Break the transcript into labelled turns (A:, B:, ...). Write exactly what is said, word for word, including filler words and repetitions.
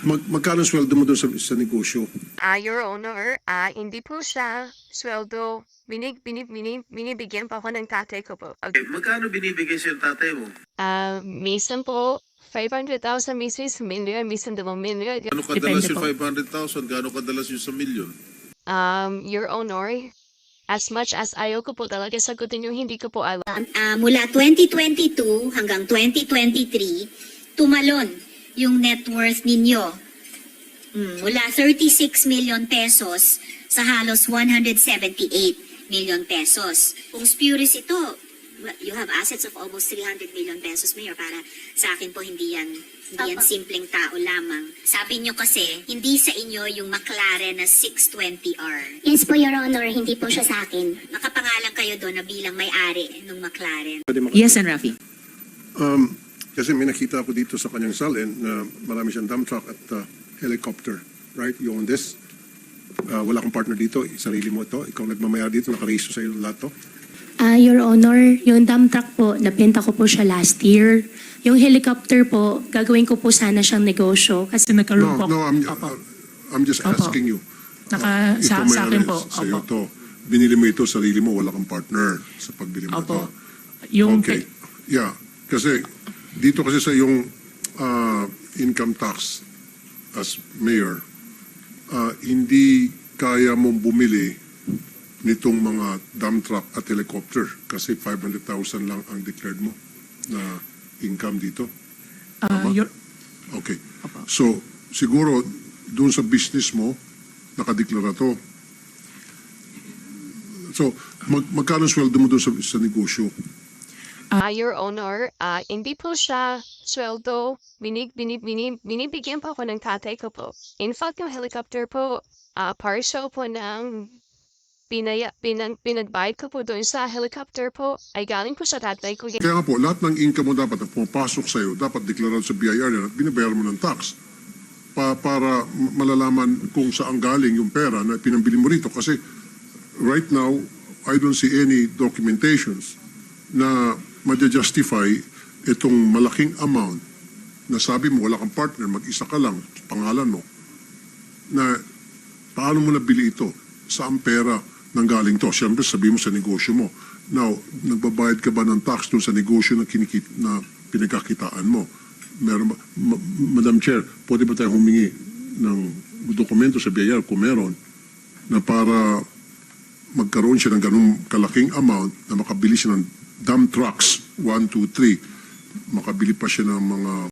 A: Mag magkano sweldo mo doon sa, sa negosyo?
B: Ah, Your Honor, ah, hindi po siya sweldo. Binig, binig, binig, binibigyan pa ako ng tatay ko po.
C: Eh, magkano binibigay sa'yo ng tatay mo?
B: Ah, minsan po, five hundred thousand, minsan isang milyon, minsan dalawang milyon.
C: Ano kadalas
D: Depende
C: yung
D: po.
C: five hundred thousand? Gaano kadalas yung sa milyon?
B: Um, Your Honor, as much as ayaw ko po talaga sagutin yung hindi ko po alam.
E: Ah, mula twenty twenty-two hanggang twenty twenty-three, tumalon yung net worth ninyo. Mm, mula thirty-six million pesos sa halos one hundred seventy-eight million pesos. Kung spurious ito, you have assets of almost three hundred million pesos, Mayor. Para sa akin po, hindi yan, hindi yan simpleng tao lamang. Sabi nyo kasi, hindi sa inyo yung McLaren na six twenty R.
F: Yes po, Your Honor, hindi po siya sa akin.
E: Nakapangalan kayo doon na bilang may-ari ng McLaren.
A: Pwede maka-
D: Yes, and Rafi.
A: Um, kasi may nakita ako dito sa kanyang salin na marami siyang dump truck at uh, helicopter. Right? You own this? Uh, wala kang partner dito. Sarili mo ito. Ikaw nagmamayari dito. Nakarehisto sa iyo lahat to.
F: Ah, Your Honor, yung dump truck po, napenta ko po siya last year. Yung helicopter po, gagawin ko po sana siyang negosyo. Kasi
D: Kasi nagkaroon
A: No,
D: po.
A: no, I'm,
D: Opo.
A: I'm just
D: Opo.
A: asking you.
D: Naka,
A: Ito
D: sa,
A: may
D: sa akin
A: ano,
D: po.
A: Sa iyo
D: Opo.
A: to. Binili mo ito, sarili mo, wala kang partner sa pagbili mo ito.
D: Opo. Yung
A: Okay. Yeah. Kasi dito kasi sa yung uh, income tax as mayor, uh, hindi kaya mong bumili nitong mga dump truck at helicopter kasi five hundred thousand lang ang declared mo na income dito.
D: ah,
A: Tama?
D: your,
A: Okay.
D: Opo.
A: So, siguro, doon sa business mo, nakadeklara to. So, mag magkano sweldo mo doon sa, sa negosyo?
B: Ah, Your Honor, ah, hindi po siya sweldo. Binig, binig, binig, binibigyan pa ako ng tatay ko po. In fact, yung helicopter po, ah, partial po ng pinaya, pinag, pinagbayad ko po doon sa helicopter po ay galing po sa tatay ko.
A: Kaya nga po, lahat ng income mo dapat na pumapasok sa'yo, dapat deklarado sa B I R yan at binabayaran mo ng tax pa, para malalaman kung saan galing yung pera na pinambili mo rito. Kasi right now, I don't see any documentations na madja-justify itong malaking amount na sabi mo wala kang partner, mag-isa ka lang, pangalan mo, na paano mo nabili ito? Saan pera nanggaling to? Siyempre, sabi mo sa negosyo mo. Now, nagbabayad ka ba ng tax doon sa negosyo na, kinikit, na pinagkakitaan mo? Meron ba, Ma- Madam Chair, pwede ba tayo humingi ng dokumento sa B I R kung meron na para magkaroon siya ng ganung kalaking amount na makabili siya ng dump trucks, one, two, three, makabili pa siya ng mga